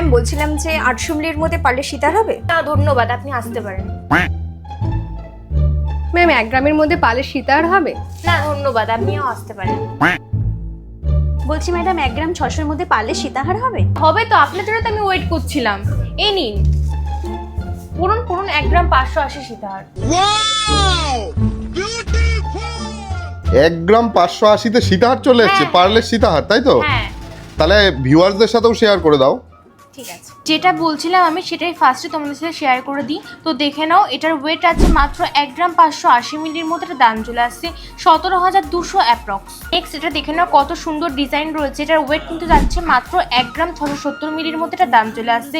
Ma'am বলছিলাম যে 800 মিলির মধ্যে পারলে সীতার হবে? না ধন্যবাদ, আপনি আসতে পারেন। ম্যাম 1 গ্রামের মধ্যে পালে সীতার হবে? না ধন্যবাদ, আপনিও আসতে পারেন। বলছি ম্যাডাম 1 গ্রাম 600 এর মধ্যে পারলে সীতাহার হবে? হবে তো, আপনার জন্য তো আমি ওয়েট করছিলাম। এই নিন পড়ুন পড়ুন, 1 গ্রাম 580 সীতাহার। 1 গ্রাম 580-তে সীতাহার চলে এসেছে, হ্যাঁ। পারলে সীতাহার, তাই তো? হ্যাঁ তাহলে ভিউয়ার্সদের সাথেও শেয়ার করে দাও। ঠিক আছে, যেটা বলছিলাম আমি সেটাই ফার্স্টে তোমাদের সাথে শেয়ার করে দিই। তো দেখে নাও, এটার ওয়েট আছে মাত্র 1 গ্রাম 580 মিলির মধ্যে। এটা দাম চলে আসছে 17,200 অ্যাপ্রক্স। নেক্সট এটা দেখে নাও কত সুন্দর ডিজাইন রয়েছে। এটার ওয়েট কিন্তু যাচ্ছে মাত্র 1 গ্রাম 670 মিলির মধ্যে। এটা দাম চলে আসছে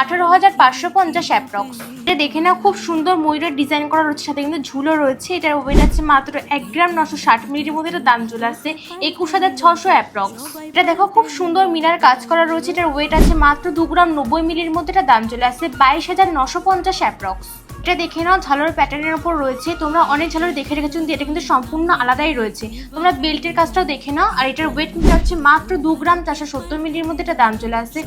18,550 অ্যাপ্রক্স। এটা দেখে নাও খুব সুন্দর ময়ূরের ডিজাইন করা রয়েছে, সাথে কিন্তু ঝুলো রয়েছে। এটার ওয়েট আছে মাত্র 1 গ্রাম 960 মিলির মধ্যে। এটা দাম চলে আসছে 21,600 অ্যাপ্রক্স। এটা দেখো খুব সুন্দর মিনার কাজ করা রয়েছে। এটার ওয়েট আছে মাত্র 2 গ্রাম 90 মিলির মধ্যে। এটা দাম চলে আসছে 22,950 অ্যাপ্রক্স। এটা দেখে নাও ঝালর প্যাটার্নের উপর রয়েছে। তোমরা অনেক ঝালর দেখে রেখেছো, কিন্তু এটা কিন্তু সম্পূর্ণ আলাদাই রয়েছে। তোমরা বেল্টের কাজটাও দেখে নাও। আর এটার ওয়েট কিন্তু হচ্ছে মাত্র 2 গ্রাম 470 মিলির মধ্যে। এটা দাম চলে আসছে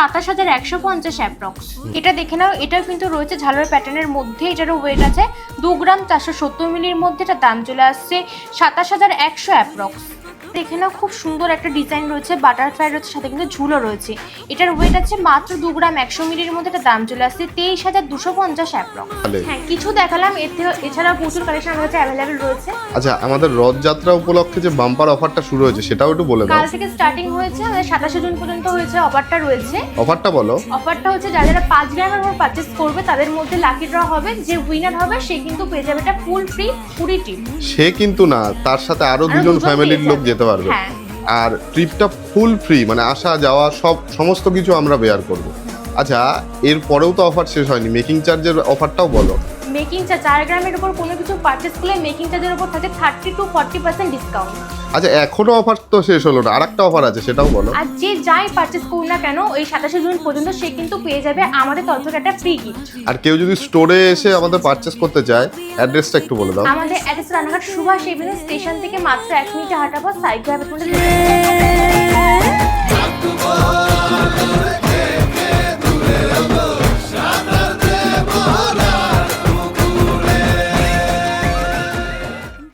27,150 অ্যাপ্রক্স। এটা দেখে নাও, এটাও কিন্তু রয়েছে ঝালর প্যাটার্নের মধ্যে। এটারও ওয়েট আছে 2 গ্রাম 470 মিলির মধ্যে। এটা দাম চলে আসছে 27,100 অ্যাপ্রক্স। দেখে নাও খুব সুন্দর একটা ডিজাইন রয়েছে, বাটারফ্লাই রয়েছে, সাথে কিন্তু ঝুলো রয়েছে। এটার ওয়েট আছে মাত্র 2 গ্রাম 100 মিলির মধ্যে। এটা দাম চলে আসছে 23,250 অ্যাপ্রক্স। হ্যাঁ কিছু দেখালাম, এছাড়াও প্রচুর কালেকশন আমার কাছে অ্যাভেলেবেল রয়েছে। আচ্ছা, আমাদের রথযাত্রা উপলক্ষে যে বাম্পার অফারটা শুরু হয়েছে সেটাও একটু বলে দাও। কাল থেকে স্টার্টিং হয়েছে, আমাদের 27 জুন পর্যন্ত হয়েছে অফারটা রয়েছে। অফারটা বলো। অফারটা হচ্ছে যারা 5 গ্রামের উপর পারচেস করবে তাদের মধ্যে লাকি ড্র হবে। যে উইনার হবে সে কিন্তু পেয়ে যাবে এটা ফুল ফ্রি পুরি ট্রিপ। সে কিন্তু না, তার সাথে আরো দুজন ফ্যামিলির লোক যেতে পারবে। হ্যাঁ। আর ট্রিপটা ফুল ফ্রি, মানে আসা যাওয়া সমস্ত কিছু আমরা বেয়ার করব। আচ্ছা, এর পরেও তো অফার শেষ হয়নি, মেকিং চার্জের অফারটাও বলো। মেকিং চার্জ 4 গ্রামের উপর কোনো কিছু পারচেস করলে মেকিং চার্জের উপর থাকে 30 to 40% ডিসকাউন্ট। আচ্ছা, এখনো অফার তো শেষ হলো না, আরেকটা অফার আছে, সেটাও বলো। আর যে যাই পারচেস করুন না কেন ওই 27 জুন পর্যন্ত সে কিন্তু পেয়ে যাবে আমাদের তরফ থেকে একটা ফ্রি গিফট। আর কেউ যদি স্টোরে এসে আমাদের পারচেস করতে চায়, অ্যাড্রেসটা একটু বলে দাও। আমাদের address Ranaghat Subhash avenue station থেকে মাত্র 1 মিনিটে হাঁটা পথ সাইকেল